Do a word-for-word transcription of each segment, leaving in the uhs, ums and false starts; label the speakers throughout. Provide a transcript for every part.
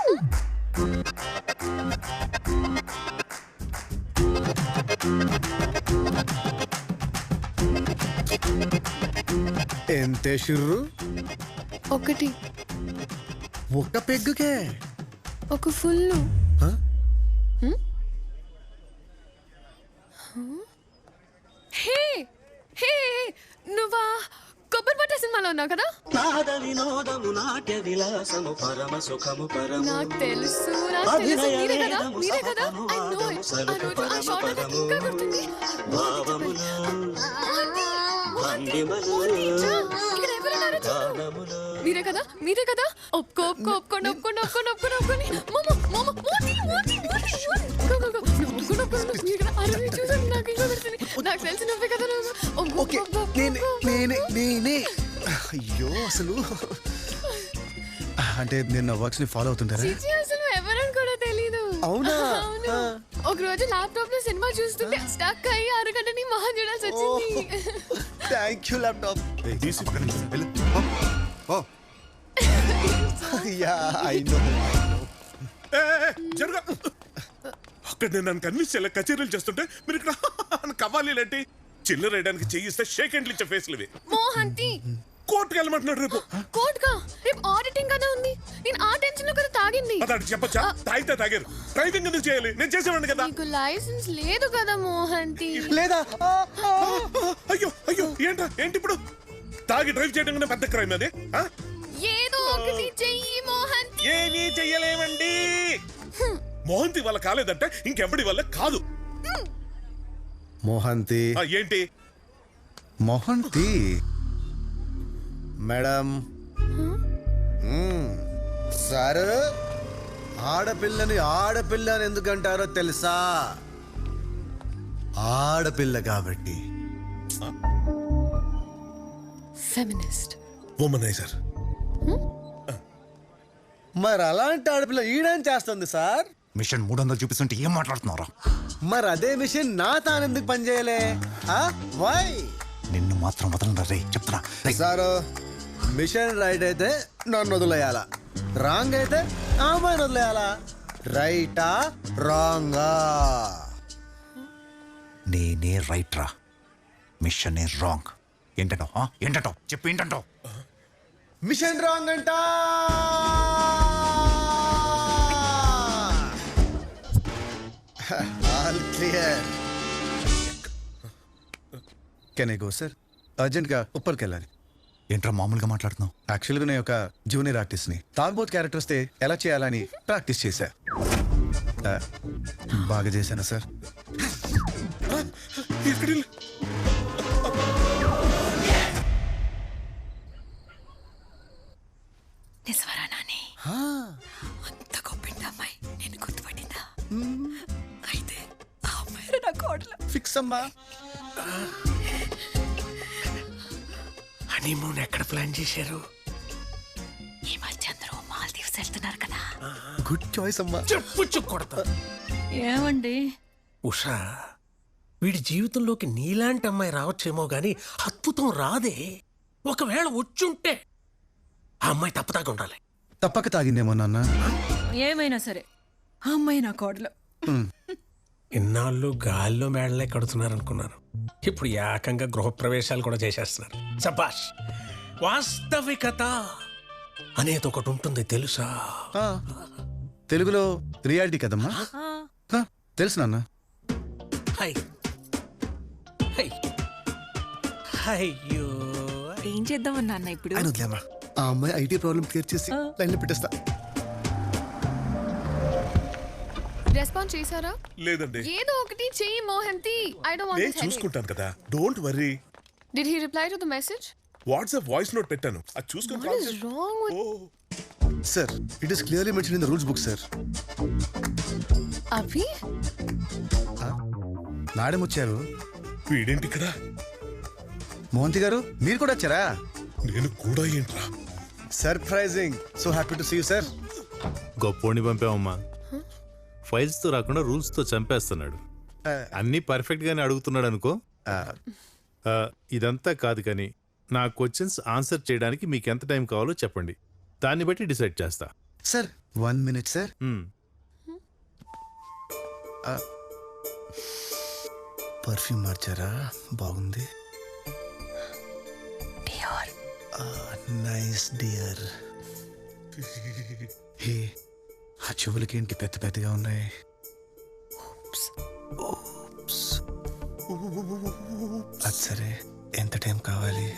Speaker 1: ఎంతే షుర్రు?
Speaker 2: ఒకటి.
Speaker 1: ఒక్క పెగ్గుకే?
Speaker 2: ఒక ఫుల్. హే హే నువ్వా కొబ్బరి పట్ట సినిమాలో ఉన్నావు కదా? నాకు తెలుసు నాకు తెలుసు మీరే కదా మీరే కదా ఐ నో ఇట్. ఆ రోజు ఆ షాట్ నాకు ఇంకా గుర్తుంది. ఇక్కడ ఎవరున్నారో చూడు. మీరే కదా మీరే కదా ఒప్పుకో ఒప్పుకో ఒప్పుకోండి ఒప్పుకోండి ఒప్పుకోండి ఒప్పుకోండి ఒప్పుకోండి మమ్మ మమ్మ మోతి మోతి మోతి ఒప్పుకోండి ఒప్పుకోండి మీరు కదా అరే చూసాను నాకు ఇంకా గుర్తుంది. నాకు తెలిసి నువ్వే కదా నువ్వు.
Speaker 1: ఓకే నేనే నేనే నేనే అయ్యో అసలు అంటే నేను నా వర్క్స్ ని ఫాలో అవుతుంటారా?
Speaker 2: అసలు ఎవరని కూడా తెలీదు.
Speaker 1: అవునా?
Speaker 2: ఒక రోజు ల్యాప్టాప్ లో సినిమా చూస్తుంటే స్టక్ అయ్యి అరగంటని మహా చూడాల్సి వచ్చింది.
Speaker 1: Thank you laptop. Yeah I know.
Speaker 3: జరుగా అక్కడ నేను నన్ను కన్విన్స్ చేయాలి. కచేరీలు చేస్తుంటే మీరు ఇక్కడ కవ్వాలి లాంటి చిల్లర వేయడానికి చేయిస్తే షేక్ హ్యాండ్లు ఇచ్చే ఫేస్లు ఇవి.
Speaker 2: మోహంతి
Speaker 3: కోర్టుకు వెళ్ళమంటున్నాడు రేపు.
Speaker 2: కోర్టుగా? రేపు ఆడిటింగ్ కదా ఉంది. నేను ఆ టెన్షన్ లో కదా తాగింది.
Speaker 3: అదాడు చెప్పచ్చా? తాగితే తాగారు. డ్రైవింగ్ ఎందుకు చేయాలి? నేను చేసేవాడిని కదా.
Speaker 2: నీకు లైసెన్స్ లేదు కదా మోహంతి.
Speaker 1: లేదా?
Speaker 3: అయ్యో అయ్యో ఏంట్రా ఏంటి ఇప్పుడు? తాగి డ్రైవ్ చేయడం పెద్ద క్రైమ్ అది.
Speaker 2: ఏదో ఒకటి చెయ్యి మోహంతి.
Speaker 3: ఏమీ చెయ్యలేమండి. మోహంతి వల్ల కాలేదంటే ఇంకెవడి వల్ల కాదు.
Speaker 1: మోహంతి
Speaker 3: ఏంటి?
Speaker 1: మోహంతి మేడం సార్ ఆడపిల్లని ఆడపిల్ల అని ఎందుకంటారో తెలుసా? ఆడపిల్ల కాబట్టి.
Speaker 2: Feminist
Speaker 3: womaniser.
Speaker 1: మరి అలాంటి ఆడపిల్ల ఈడేం చేస్తుంది సార్?
Speaker 4: మిషన్ మూడు వందలు చూపిస్తుంటే ఏం మాట్లాడుతున్నారా?
Speaker 1: మరి అదే మిషన్ నా తానెందుకు పనిచేయలే? వై?
Speaker 4: నిన్ను మాత్రం వదలరా రే చెప్తున్నా.
Speaker 1: సారు మిషన్ రైట్ అయితే నన్ను వదిలేయాలా, రాంగ్ అయితే అమ్మాయిని వదిలేయాలా? రైటా రాంగా?
Speaker 4: నేనే రైట్ రా, మిషన్ రాంగ్. ఏంటంటో ఏంటంటో చెప్పు ఏంటంటో.
Speaker 1: మిషన్ రాంగ్ అంట. All clear. Can I go sir? అర్జెంట్గా ఉప్పర్కి వెళ్ళాలి.
Speaker 4: ఏంట్రా మామూలుగా మాట్లాడుతున్నావు?
Speaker 1: యాక్చువల్గా నేను ఒక జూనియర్ ఆర్టిస్ట్ని. తాగుబోత్ క్యారెక్టర్ వస్తే ఎలా చేయాలని ప్రాక్టీస్ చేశా. బాగా చేశాను సార్.
Speaker 2: నిజవరా నాని? అంత గొప్పింది అమ్మాయి నేను గుర్తుపట్టిందా? అయితే ఆ అమ్మాయి నా కోడలు.
Speaker 1: ఫిక్స్ అమ్మా.
Speaker 3: హనీమూన్ ఎక్కడ ప్లాన్ చేశారు?
Speaker 2: ఈ మధ్య అందరూ మాల్దీవ్స్ వెళ్తున్నారు కదా.
Speaker 1: గుడ్ చాయిస్ అమ్మా.
Speaker 3: చెప్పు కొడతా.
Speaker 2: ఏమండి
Speaker 5: ఉషా, వీడి జీవితంలోకి నీలాంటి అమ్మాయి రావచ్చేమో గాని అద్భుతం రాదే. ఒకవేళ వచ్చుంటే ఆ అమ్మాయి తప్పదాకా ఉండాలి.
Speaker 1: తప్పక తాగిందేమో నాన్న.
Speaker 2: ఏమైనా సరే ఆ అమ్మాయి నా కోడలు.
Speaker 5: ఇన్నాళ్ళు గాల్లో మేడలే కడుతున్నారనుకున్నాను. ఇప్పుడు ఏకంగా గృహప్రవేశాలు కూడా చేసేస్తున్నారు. సబాష్. వాస్తవికత అనేది ఒకటి ఉంటుంది తెలుసా?
Speaker 1: తెలుగులో రియాలిటీ కదమ్మా. తెలుసు నాన్న.
Speaker 5: హై హై అయ్యో
Speaker 2: ఏం చేద్దామన్నా అన్న ఇప్పుడు?
Speaker 1: ఆ అమ్మాయి ఐటీ ప్రాబ్లం క్లియర్ చేసి లైన్లో పెట్టేస్తా.
Speaker 2: రెస్పాన్స్ చేశారా?
Speaker 3: లేదండి.
Speaker 2: ఏదో ఒకటి చెయ్యి మోహంతి. ఐ డోంట్ వాంట్
Speaker 3: నేను
Speaker 2: దిస్ హెడేక్.
Speaker 3: చూసుకుంటాను కదా, don't worry.
Speaker 2: Did he reply to the message?
Speaker 3: WhatsApp voice note పెట్టాను, అది చూసుకొని
Speaker 2: What is wrong with
Speaker 1: sir? It is clearly mention in the rules book sir.
Speaker 2: Abhi?
Speaker 1: Madam వచ్చారు.
Speaker 3: వీడేంటి ఇక్కడ?
Speaker 1: మోహంతి గారు మీరు కూడా వచ్చారా?
Speaker 3: నేను కూడా ఏంట్రా?
Speaker 1: Surprising. So happy to see you sir.
Speaker 6: గొప్పోడిని పంపామమ్మా. ఫైల్స్ తో రాకుండా రూల్స్ తో చంపేస్తున్నాడు. అన్ని పర్ఫెక్ట్ గానే అడుగుతున్నాడు అనుకో. ఇదంతా కాదు కానీ నా క్వశ్చన్స్ ఆన్సర్ చేయడానికి మీకు ఎంత టైం కావాలో చెప్పండి, దాన్ని బట్టి డిసైడ్ చేస్తా.
Speaker 1: Sir one minute sir. Perfume మార్చారా? బాగుంది. Nice dear. హే, ఆ చెవులకి ఏంటి పెద్ద పెద్దగా ఉన్నాయి? అది సరే, ఎంత టైం కావాలి?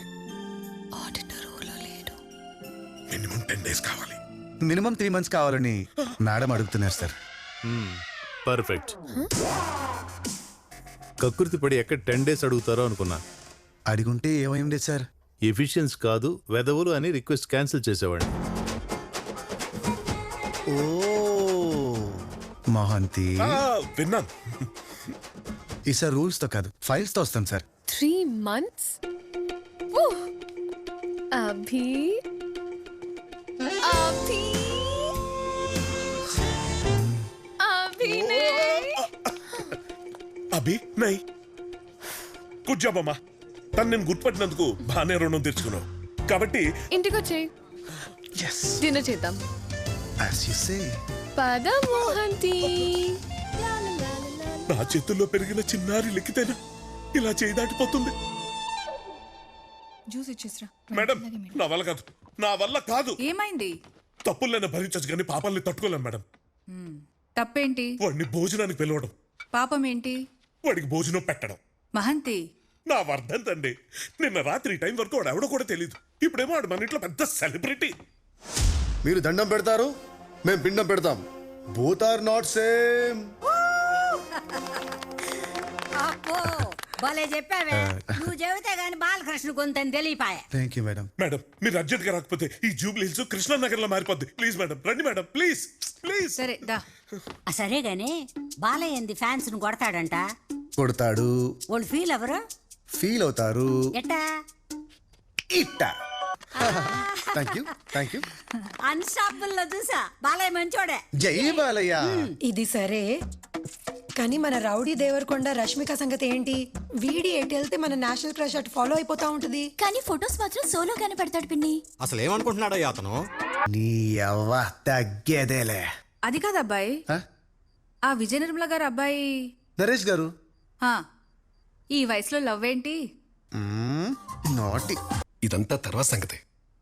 Speaker 3: మినిమం టెన్ డేస్ కావాలి.
Speaker 1: మినిమం త్రీ మంత్స్ కావాలని మేడం అడుగుతున్నారు సార్.
Speaker 6: పర్ఫెక్ట్. కకృతి పడి ఎక్కడ టెన్ డేస్ అడుగుతారో అనుకున్నా.
Speaker 1: అడిగుంటే ఏమైంది సార్?
Speaker 6: ఎఫిషియన్స్ కాదు వెదవులు అని రిక్వెస్ట్ క్యాన్సిల్ చేసేవాడిని.
Speaker 1: ఓ మహాంతి,
Speaker 3: విన్నాను.
Speaker 1: ఈసారి రూల్స్ తో కాదు ఫైల్స్ తో వస్తాం sir.
Speaker 2: Three months Abhi Abhi Abhinay
Speaker 3: Abhi నై గుడ్ జాబ్ అమ్మా. తను నేను గుర్తుపట్టినందుకు బాగానే రుణం తెచ్చుకున్నావు. కాబట్టి
Speaker 2: ఇంటికి వచ్చేయ్,
Speaker 1: yes
Speaker 2: డిన్నర్ చేద్దాం.
Speaker 1: as you say.
Speaker 2: పద మోహంతి.
Speaker 3: నా చేతుల్లో పెరిగిన చిన్నారి లెక్కితేనా ఇలా చేయి దాటిపోతుంది.
Speaker 7: జ్యూస్ ఇచ్చేసిరా.
Speaker 3: మేడం నా వల్ల కాదు, నా వల్ల కాదు.
Speaker 7: ఏమైంది?
Speaker 3: తప్పులైనా భరించచ్చు కానీ పాపాలని తట్టుకోలేం మేడం.
Speaker 7: తప్పేంటి?
Speaker 3: వాడిని భోజనానికి పిలవడం,
Speaker 7: పాపం ఏంటి?
Speaker 3: వాడికి భోజనం పెట్టడం.
Speaker 7: మహంతి,
Speaker 3: నా వర్ధంతండి. నిన్న రాత్రి ఈ టైం వరకు వాడు ఎవడో కూడా తెలియదు. ఇప్పుడేమో వాడు మన ఇంట్లో పెద్ద సెలబ్రిటీ.
Speaker 8: మీరు దండం పెడతారు, మేము పిండం పెడతాం. Both are not same.
Speaker 9: అప్పో భలే చెప్పావే. నువ్వు చెబితే గాని బాలకృష్ణ కొంత తెలియపాయే.
Speaker 1: Thank you madam.
Speaker 3: మేడం మీరు అర్జెంట్ గా రాకపోతే ఈ జూబ్లీ హిల్స్ కృష్ణానగర్ లో మారిపోద్ది. ప్లీజ్ మేడం రండి మేడం, ప్లీజ్ ప్లీజ్.
Speaker 7: సరే దా.
Speaker 9: ఆ, సరే గాని బాలయ్యంది ఫ్యాన్స్ ను కొడతాడంట.
Speaker 1: కొడతాడు.
Speaker 9: వాళ్ళు ఫీల్ ఎవరు?
Speaker 1: ఫీల్ అవుతారు.
Speaker 9: ఎట్టా?
Speaker 1: ఇట్ట. Thank you thank you.
Speaker 9: Unstoppable లో చూసా బాలయ్య మంచోడే.
Speaker 1: జై బాలయ్య.
Speaker 10: ఇది సరే కానీ మన రౌడీ దేవరకొండ రష్మిక సంగతి ఏంటి? వీడి ఎటు వెళ్తే మన నేషనల్ క్రష్ అటు ఫాలో అయిపోతా ఉంటది.
Speaker 2: కానీ ఫొటోస్ మాత్రం సోలోగానే పెడతాడు పిన్ని.
Speaker 8: అసలు ఏమనుకుంటున్నాడో అతను?
Speaker 1: నీ అవ్వ తగ్గేదేలే.
Speaker 7: అది కాదు అబ్బాయి,
Speaker 1: ఆ?
Speaker 7: ఆ విజయ నిర్మల గారు అబ్బాయి.
Speaker 1: నరేష్ గారు.
Speaker 7: ఆ, ఈ వయసులో లవ్ ఏంటి?
Speaker 1: నాటి.
Speaker 8: ఇదంతా తర్వాత సంగతి.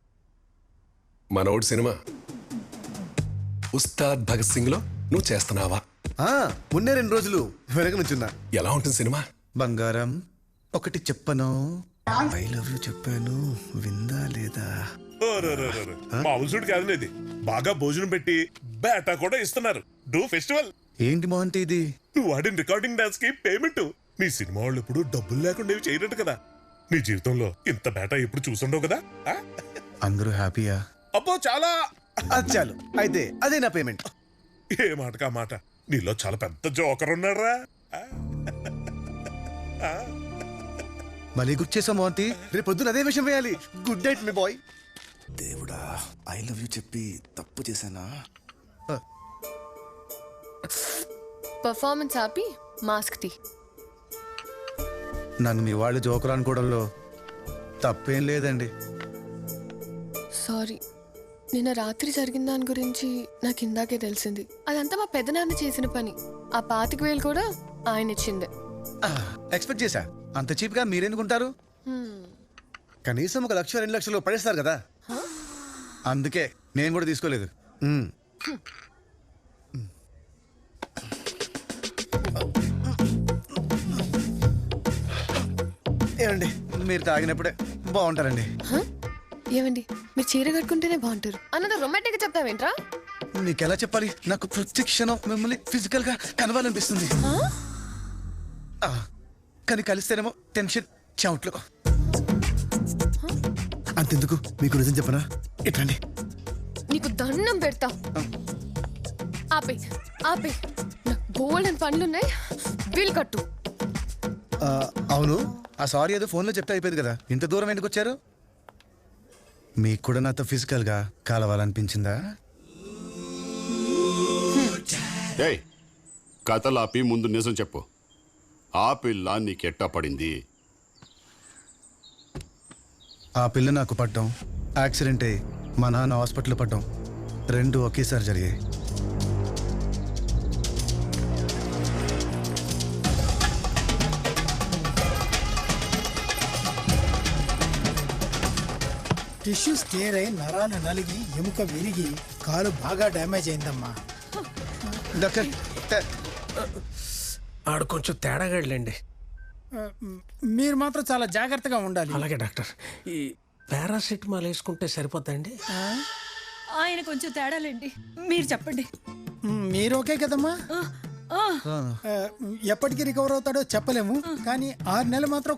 Speaker 8: మనోడు సినిమా ఉస్తాద్ భగత్ సింగ్ లో నువ్వు చేస్తున్నావా?
Speaker 1: ఉన్నే రెండు రోజులు వెనక నుంచున్నా.
Speaker 8: ఎలా ఉంటుంది సినిమా?
Speaker 1: బంగారం ఒకటి చెప్పను, ఐ లవ్ యూ చెప్పాను, విందా లేదా?
Speaker 3: మామూలు కాదు ఇది. బాగా భోజనం పెట్టి బేటా కూడా ఇస్తున్నారు. డూ ఫెస్టివల్.
Speaker 1: ఏంటి మోహంతి ఇది?
Speaker 3: నువ్వు ఆడిన రికార్డింగ్ డాన్స్ కి పేమెంట్. నీ సినిమా వాళ్ళు ఎప్పుడు డబ్బులు లేకుండా ఇవి చేయనట్టు కదా. నీ జీవితంలో ఇంత బేటా ఎప్పుడు చూసుండవు కదా. ఆ?
Speaker 1: అందరూ హ్యాపీయా?
Speaker 3: అబ్బో చాలా.
Speaker 1: అది చాలు అయితే అదే నా పేమెంట్.
Speaker 3: ఏ మాటకా మాట, నీలో చాలా పెద్ద జోకర్ ఉన్నారా.
Speaker 1: మళ్ళీ గుర్తు చేసాం మోహంతి, రేపు పొద్దున అదే విషయం వేయాలి. Good night my boy. దేవుడా, ఐ లవ్ యూ చెప్పి తప్పు చేశానా?
Speaker 2: పర్ఫార్మెన్స్ ఆపి మాస్క్ తీ.
Speaker 1: నన్ను మీ వాళ్ళు జోకర్ అనుకోవడంలో తప్పేం లేదండి.
Speaker 2: సారీ, నిన్న రాత్రి జరిగిన దాని గురించి నాకు ఇందాకే తెలిసింది. అదంతా మా పెద్దనాన్న చేసిన పని. ఆ పాతిక వేలు కూడా ఆయన ఇచ్చిందే.
Speaker 1: ఎక్స్పెక్ట్ చేశా. అంత చీప్ గా మీరెందుకుంటారు? కనీసం ఒక లక్ష రెండు లక్షలు పడేస్తారు కదా, అందుకే నేను కూడా తీసుకోలేదు. మ్మ్. ఏమండి మీరు తాగినప్పుడే బాగుంటారండి.
Speaker 2: ఏమండి మీరు చీర కట్టుకుంటేనే బాగుంటారు అన్నది రొమాంటిక్ గా చెప్తావేంట్రా?
Speaker 1: మీకు ఎలా చెప్పాలి? నాకు ప్రతి క్షణం మిమ్మల్ని ఫిజికల్ గా కలవాలనిపిస్తుంది. ఆ, కానీ కలిస్తేనేమో టెన్షన్ చెమట్లు. అంతెందుకు, మీకు నిజం చెప్పనా? ఇట్లండి.
Speaker 2: నీకు దండం పెడతా. ఆపే ఆపే, నాకు బోల్డ్ అని పనులున్నాయి. వీలు కట్టు.
Speaker 1: ఆ, అవును, ఆ సారీ ఏదో ఫోన్లో చెప్తే అయిపోయింది కదా, ఇంత దూరం ఎందుకు వచ్చారు? మీకు కూడా నాతో ఫిజికల్ గా కలవాలనిపించిందా?
Speaker 11: ఏయ్, కథలాపి ముందు నిజం చెప్పు. ఆ పిల్ల నీకెట్టా పడింది?
Speaker 1: ఆ పిల్ల నాకు పడ్డం, యాక్సిడెంట్ అయ్యి మా నాన్న హాస్పిటల్లో పడ్డం, రెండు ఒకేసారి జరిగాయి.
Speaker 12: టిష్యూస్ టేర్ అయి నరాలు నలిగి ఎముక విరిగి కాలు బాగా డ్యామేజ్ అయిందమ్మా.
Speaker 1: డాక్టర్
Speaker 5: ఆడు కొంచెం తేడాగాడులేండి.
Speaker 12: ఆ, మీరు మాత్రం చాలా జాగ్రత్తగా ఉండాలి.
Speaker 5: అలాగే డాక్టర్. ఈ పారాసిటమాల్ వేసుకుంటే సరిపోద్దండి?
Speaker 9: ఆయన కొంచెం తేడాలండి, మీరు చెప్పండి.
Speaker 12: మీరు ఓకే కదమ్మా? ఆ, ఎప్పటికి రికవర్ అవుతాడో చెప్పలేము, కానీ ఆరు నెలలు మాత్రం